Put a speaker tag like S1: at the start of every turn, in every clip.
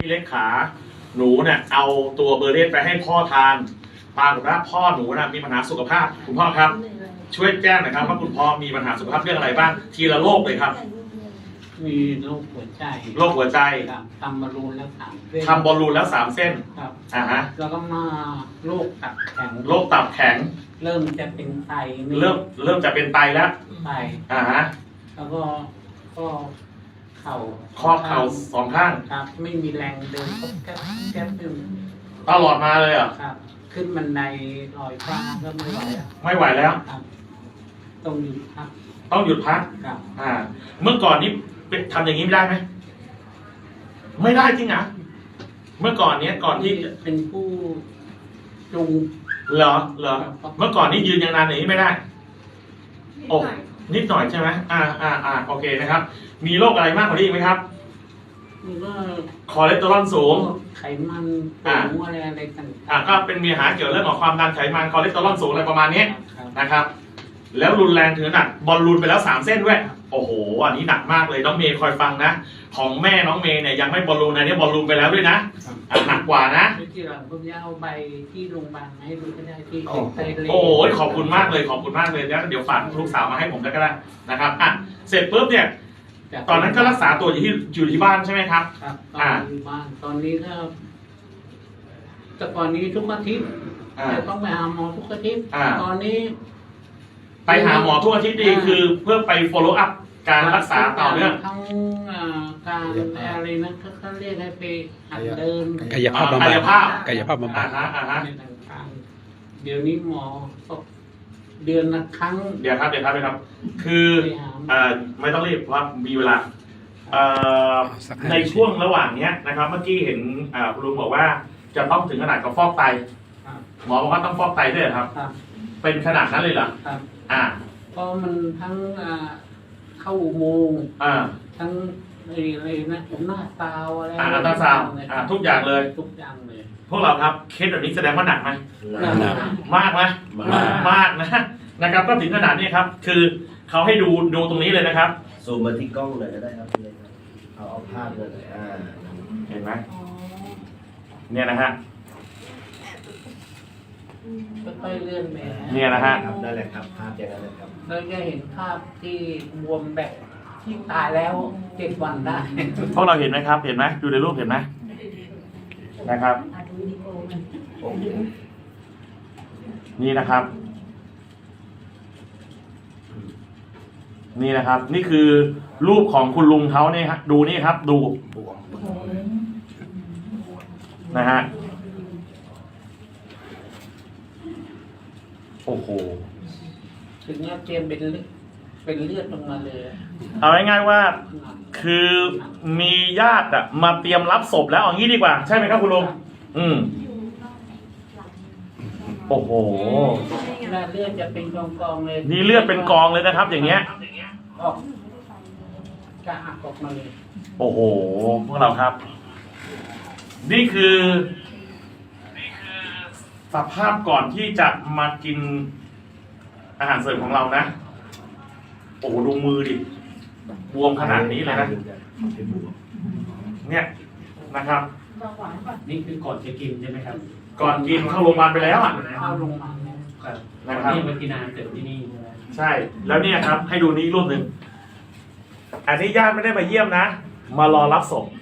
S1: พี่เล็กขาหนูเนี่ยเอาตัวเบอร์เรตไปให้พ่อทานปรากฏว่าพ่อหนูนะมีปัญหาสุขภาพคุณพ่อครับช่วยแจ้งหน่อยครับว่าคุณพ่อมีปัญหาสุขภาพเรื่องอะไรบ้างทีละโรคเลยครับ
S2: มีโรคหัวใจ
S1: โรคหัวใจ
S2: ครับทำบอลลูนแล้ว3 เส้น
S1: ทำบอลลูนแล้ว3 เส้น
S2: ครับ
S1: ฮะ
S2: แล้วก็มาโรคตับแข็ง
S1: โรคตับแข็ง
S2: เริ่มจะเป็นไต
S1: เริ่มจะเป็นไตแล้ว
S2: ไต
S1: ฮะ
S2: แล้วก็เข่า
S1: ข้อเข่า2 ข้าง
S2: ครับ ไม่มีแรงเดินก็แก๊บขึ้น
S1: ตลอดมาเลยเหรอ
S2: ครับ ขึ้นบันไดลอยฟ้าก็ไม่ไหวแล้ว
S1: ไม่ไหวแล้ว
S2: ครับต้องหยุดพัก
S1: ต้องหยุดพัก
S2: ครับ
S1: เมื่อก่อนนี้ทำอย่างนี้ไม่ได้ไหมไม่ได้จริงเหรอเมื่อก่อนเนี้ยก่อนที่
S2: เป็นผู้จูง
S1: เหรอเมื่อก่อนนี้ยืนอย่างนานอย่างนี้ไม่ได้โอ้นิดหน่อยใช่ไหมโอเคนะครับ มีโรคอะไรมากกว่านี้อีกไหมครับ
S2: มันก็
S1: คอเลสเตอรอลสูง
S2: ไขมันสูงอะไรต่าง
S1: ก็เป็นมีปัญหาเกี่ยวเรื่องของความดันไขมันคอเลสเตอรอลสูงอะไรประมาณนี้
S2: ครับ
S1: นะครับ แล้วรุนแรงถึงขนาดบอลลูนไปแล้ว3 เส้นด้วยโอ้โหอันนี้หนักมากเลยน้องเมย์คอยฟังนะของแม่น้องเมย์เนี่ยยังไม่บอลลูนอันนี้บอลลูนไปแล้วด้วยนะหนักกว่านะ
S2: ที่หลังผมจะเอาใบที่โรงพยาบาลมาให้ดูก็ได้ที่ไตเล
S1: โอ้ยขอบคุณมากเลยขอบคุณมากเลยแล้วเดี๋ยวฝากลูกสาวมาให้ผมก็ได้นะครับเสร็จปุ๊บเนี่ยตอนนั้นก็รักษาตัวอยู่ที่บ้านใช่ไหมครับ
S2: ครับตอนอยู่บ้านตอนนี้ก็แต่ก่อนนี้ทุกอาทิตย์จะต้องไปหาหมอทุกอาทิตย์ตอนนี้
S1: ไปหาหมอทุกอาทิตย์ดีคือเพื่อไป follow up การรักษาต่อเนื่อง
S2: ทั้งการอะไรนะเขาเรียกให้ไปหัดเดิน
S3: กายภาพบำบัด
S1: กายภาพ
S3: กายภาพบำบัด
S2: ในต่างๆเดี๋ยวนี้หมอก็เดือนละครั้ง
S1: เดี๋ยวครับคือไม่ต้องรีบเพราะมีเวลาในช่วงระหว่างเนี้ยนะครับ เมื่อกี้เห็นคุณลุงบอกว่าจะต้องถึงขนาดกับฟอกไต
S2: ครับ
S1: หมอบอกว่าต้องฟอกไตด้วยเหรอครับ
S2: ครับ
S1: เป็นขนาดนั้นเลยเหรอ
S2: ครับ ก็มันทั้งเข้าอุโมงค์ทั้งอะไรนะหน้าตาวอะไร
S1: อัลตราซาวด์ทุกอย่างเลย
S2: ทุกอย่างเลย
S1: พวกเราครับเคสแบบนี้แสดงว่าหนักไหม
S3: หนัก
S1: มากไหมมากนะครับก็ถึงขนาดนี้ครับ คือเขาให้ดูตรงนี้เลยนะครับ
S4: ซูมมาที่กล้องเลยก็ได้ครับพี่เล็กครับเอาภาพเลย
S1: เห็นไหมเนี่ยนะฮะ
S2: ค่อยๆเลื่อนไป
S1: เนี่ยนะฮะ
S4: ครับได้เลยครับภาพอย่างนั้นเลยครับ
S2: เราจะเห็นภาพที่บวมแบบที่ตายแล้ว7 วันได้
S1: พวกเราเห็นไหมครับ เห็นไหมดูในรูปเห็นไหมนะครับ นี่นะครับ นี่นะครับ นี่คือรูปของคุณลุงเขาเนี่ยครับดูนี่ครับ ดูนะฮะโอ้โห
S2: ถึงจะเตรียมเป็นเลือดลงมาเลย
S1: เอาง่ายๆว่าคือมีญาติมาเตรียมรับศพแล้วเอางี้ดีกว่าใช่ไหมครับคุณลุงโอ้โห
S2: เลือดจะเป็นกองๆเลย
S1: นี่เลือดเป็นกองเลยนะครับ อย่างเงี้ย
S2: ออกจะหักออกมาเลย
S1: โอ้โหพวกเราครับ นี่คือสภาพก่อนที่จะมากินอาหารเสริมของเรานะโอ้โหดูมือดิบวมขนาดนี้เลยนะเนี่ยนะครับ
S5: นี่คือก่อนจะกินใช่ไหมครับ
S1: ก่อนกินเข้าโรงพยาบาลไปแล้วอ่ะ
S2: เข้าโรงพยาบาลเนี่ย
S1: นะครับ
S5: นี่มากินอาหารเสริมที่นี่ใช่ไหม
S1: ใช่แล้วเนี่ยครับ ให้ดูนี้รูปหนึ่งอันนี้ญาติไม่ได้มาเยี่ยมนะ มารอรับศพ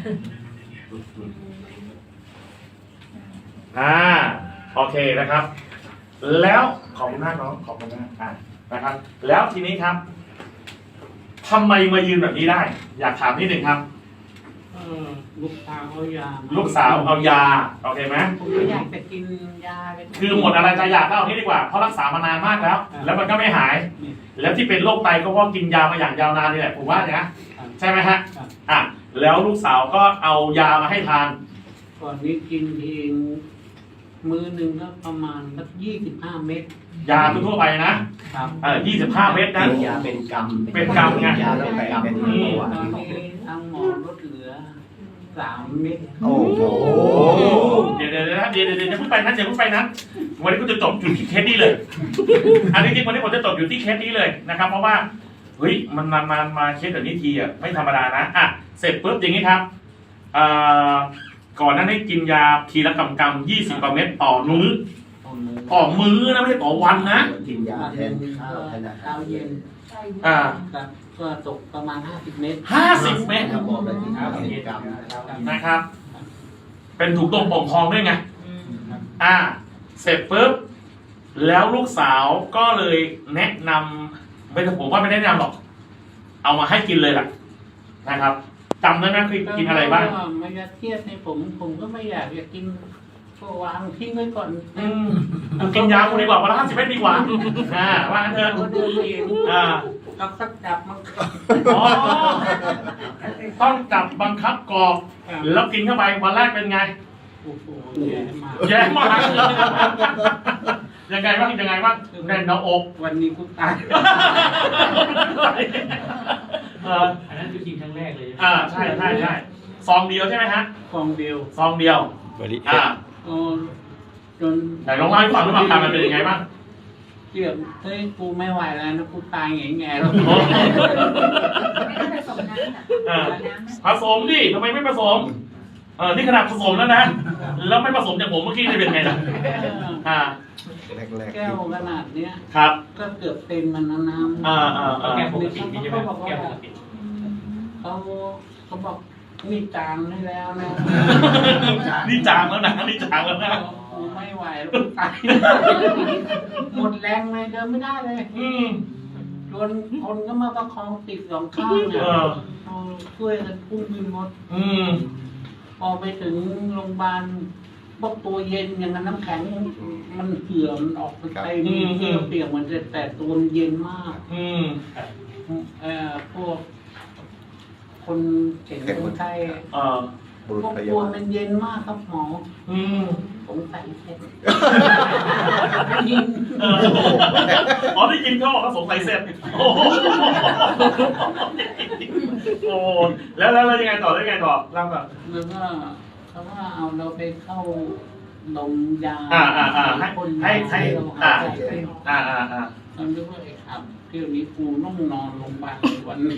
S1: โอเคนะครับ แล้วขอบคุณมากน้องขอบคุณมากนะครับ แล้วทีนี้ครับทำไมมายืนแบบนี้ได้ อยากถามนิดหนึ่งครับ
S2: ลูกสาวเอายา
S1: ลูกสาวเอายาโอเคไหม
S2: ผมไม่อยากจะกินยาเลย
S1: คือหมดอะไรจะอยากก็เอานี้ดีกว่าเพราะรักษามานานมากแล้ว แล้วมันก็ไม่หาย แล้วที่เป็นโรคไตก็เพราะกินยามาอย่างยาวนานนี่แหละผมว่านะใช่ไหมฮะแล้วลูกสาวก็เอายามาให้ทาน
S2: ก่อนนี้กินเองมื้อหนึ่งก็ประมาณสัก25 เม็ด
S1: ยาทั่วไปนะครับ25 เม็ดนะ
S4: ยาเป็นกรรม
S1: เป็นกรรมไง
S4: ยาตั้งแต่เป็น
S2: ต
S4: เมื่
S2: อ
S4: อวาน น
S2: นี้ทางหมอลดเหลือ3 เม็ด
S4: โอ้โห
S1: เดี๋ยวพูดไปนะพูดไปนะวันนี้ก็จะจบอยู่ที่เคสนี้เลย อันนี้จริงวันนี้ผมจะจบอยู่ที่เคสนี้เลยนะครับ เพราะว่าเฮ้ยมันมาเคสแบบนี้ทีไม่ธรรมดานะเสร็จปุ๊บอย่างนี้ครับอ่าก่อนหนั้นให้กินยาทีละกำ20 กว่าเม็ดต่อมื้อนะไม่ใช่ต่อวันนะ
S4: กินยาแทนข้าวแทนอาหา
S2: เช้าร เย็น
S1: อ่า
S2: ครับก็ตกประมาณ50 เมตร
S1: 50 เม็ด
S4: ครับบอกได้กินข้าวกินกรรม
S1: นะครับ เป็นถูกต้มป่องทองด้วยไง เสร็จปุ๊บแล้วลูกสาวก็เลยแนะนำไม่ผมว่าไม่ได้แนะนำหรอก เอามาให้กินเลยล่ะนะครับจำได้ไหมคือกินอะไรบ้าง
S2: ไม่อยากเครียดในผมก็ไม่อยากกินก็วางทิ้งไว้ก่อน
S1: กูกินยากูดีกว่าวันละ50 เม็ดดีกว่าว่างั้นเถอะ
S2: ก็เดินเอง ก็สักจับมัน
S1: อ๋อต้องจับบังคับกรอกแล้วกินเข้าไปวันแรกเป็นไง
S2: โอ้โหแย่มาก
S1: แย่มากยังไงบ้างยังไงบ้างแน่นหน้าอก
S2: วันนี้กูตาย
S5: อันนั้นคือกินครั้งแรกเลย
S1: ใช่ซองเดียวใช่ไหมฮะ
S2: กองเดียว
S1: ซองเดียว
S2: จน
S1: ไหนลองเล่าให้ฟังว่าอาการมันเป็นยังไงบ้าง
S2: เกือบเฮ้ยกูไม่ไหวแล้วนะกูตายแง่ๆแล้ว
S3: ไม่ผสมน้ำอ่ะ
S1: ผสมดิทำไมไม่ผสมนี่ขนาดผสมแล้วนะแล้วไม่ผสมอย่างผมเมื่อกี้จะเป็นไงล่ะ
S2: แก้วขนาดเนี้ย
S1: ครับ
S2: ก็เกือบเต็มมันนะน้ำ
S5: แก้ปกตินี่ใช่ไหมแก้ปกติ
S2: เขาบอกนี่จางได้แล้วนะ
S1: นี่จางแล้วนะนี่จางแล้วนะ
S2: กูไม่ไหวแล้วกูตายหมดแรงเลยเดินไม่ได้เลยจนคนก็มาประคองติดสองข้างเนี่ยช่วยกันพุ่งขึ้นรถพอไปถึงโรงพยาบาลบอกตัวเย็นอย่างนั้นน้ำแข็งมันเหื่อมออกไปเต็มเสื้อเปียกมันแต่ตัวมันเย็นมากพวกคนเข็นคนไข้
S4: บุรุษ
S2: พวก
S4: พ
S2: ตั
S4: ยาว บาล
S2: มันเย็นมากครับหมอผมใส่เสร็จ
S1: อ๋อได้ยินเขาบอกเขาสงสัยเสร็จโอ้โหแล้วยังไงต่อเล่าแบบ
S2: แล้วก็เขาว่าเอาเราไปเข้าดมยาคนให้เราหายใจมันเรียกว่าไอ้ขับเที่ยวนี้กูต้องนอนโรงพยาบาลวันนี้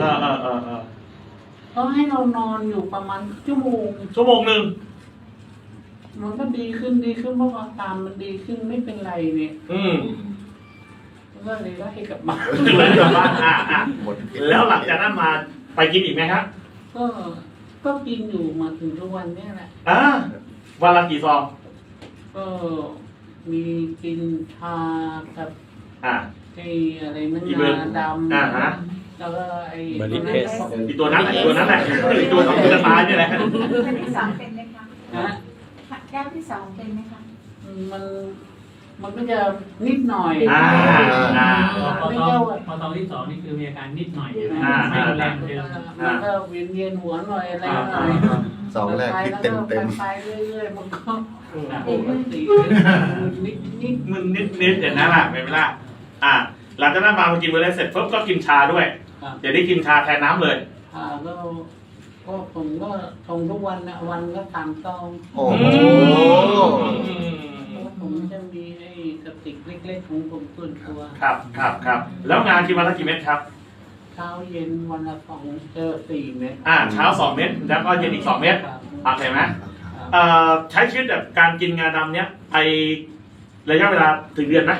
S2: ก็ให้เรานอนอยู่ประมาณชั่วโมง
S1: หนึ่ง
S2: มันก็ดีขึ้นเพราะว่าอาการมันดีขึ้นไม่เป็นไรเนี่ยก็เลยไล่กลับบ้าน
S1: แล้วหลังจากนั้นมาไปกินอีกไหมครับ
S2: ก็กินอยู่มาถึงทุกวันเนี่ยแหละ
S1: วันละกี่ซอง
S2: ก็มีกินชากับไอ้อะไรมันงาดำแล้วก็ไอ้
S1: ตัวนั้นแหละตัวที่จะตายนี่แหละ
S3: แก้วที่สองเป็นไหมคะแก้วที่สองเป็นไหมคะ
S2: มันก็จะนิดหน่อย
S5: พอตอนที่2นี่คือมีอาการนิดหน่อยไม่รุนแรงเดิม
S2: มันก็เวียนหัวหน่อยอะไรหน่อย
S4: สองแรกคิดเต็ม
S2: ไปเรื่อยๆมันก็ปกตินิด
S1: มึนนิดอย่างนั้นแหละไม่เป็นไรหลังจากนั้นมาพอกินเวลาเสร็จปุ๊บก็กินชาด้วยเดี๋ยวได้กินชาแทนน้ำเลย
S2: ก็ผมก็ชงทุกวันนะวันก็3 ซอง
S4: โอ้โห
S2: ผมจะมีไอ้กระติกเล็กๆของผมส่วนตัว
S1: ครับแล้วงานกินวันละกี่เม็ดครับ
S2: เช้าเย็นวันละ4 เม็ด
S1: เช้า2 เม็ดแล้วก็เย็นอีก2 เม็ดเห็นไหมใช้ชีวิตแบบการกินงาดำเนี้ยไอระยะเวลาถึงเดือนไหม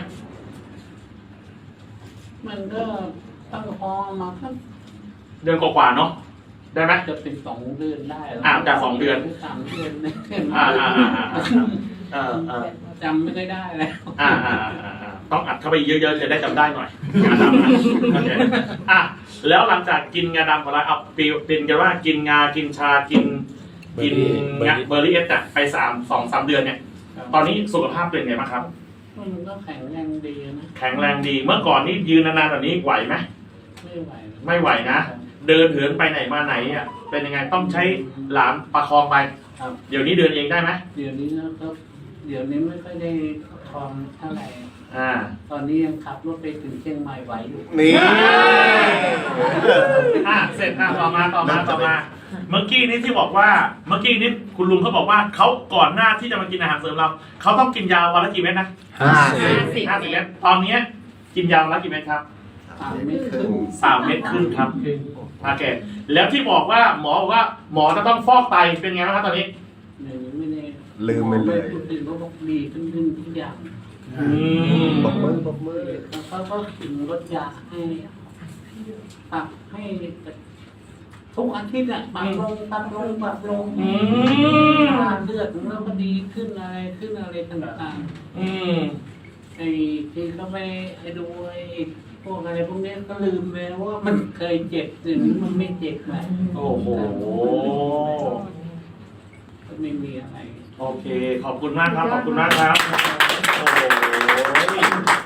S2: มันก็ตั้งพอมาสัก
S1: เดือนกว่าๆเนาะได้ไหม
S2: จะเป็น2 เดือนได้
S1: จาก2 เดือน
S2: 3 เดือนจำไม่ได้แล้ว
S1: ต้องอัดเข้าไปเยอะๆจะได้จำได้หน่อยงาดำแล้วหลังจากกินงาดำของเราเอาเป็นกันว่ากินงากินชากินเบอร์รี่เอสไป2-3 เดือนเนี่ยตอนนี้สุขภาพเป็นไงบ้างครับ
S2: มันก็แข็งแรงดีนะ
S1: แข็งแรงดีเมื่อก่อนนี่ยืนนานๆแบบนี้ไหวไหม ไม่ไหวนะเดินเหินไปไหนมาไหนเป็นยังไงต้องใช้หลานประคองไปเดี๋ยวนี้เดินเองได้ไหม
S2: เดี๋ยวนี้นะครับเดี๋ยวนี้ไม่ค่อยได้ทองเท่าไหร่ตอนนี้ยังขับรถไปถึงเชียงใหม่ไหวอยู่
S4: นี่
S1: เสร็จต่อมาเมื่อกี้นี้ที่บอกว่าเมื่อกี้นี้คุณลุงเขาบอกว่าเขาก่อนหน้าที่จะมากินอาหารเสริมเราเขาต้องกินยาวันละกี่เม็ดนะ50 เม็ดตอนนี้กินยาวันละกี่เม็ดครับ
S2: 3 เม็ดครึ่ง
S1: 3 เม็ดครึ่งครับโอเคแล้วที่บอกว่าหมอบอกว่าหมอจะต้องฟอกไตเป็นไงบ้างครับตอนนี้
S2: ไม่ได้
S4: ลืมไปเลย
S2: พูดถึงก็บอกดีขึ้นทุกอย่าง
S4: ปรบมือปรบมือ
S2: เขาก็ถึงลดยาให้ปรับให้ทุกอาทิตย์อ่ะปรับลงปรับลงปรับลงเลือดของเราก็ดีขึ้นอะไรต่างๆไอ้ที่เขาไปดูไอ้พวกอะไรพวกนี้ก็ลืมไปว่ามันเคยเจ็บแต่นี้มันไม่เจ็บแล้ว
S1: โอ้โห
S2: ก็ไม่มีอะไร
S1: โอเค ขอบคุณมากครับ ขอบคุณมากครับ โอ้โห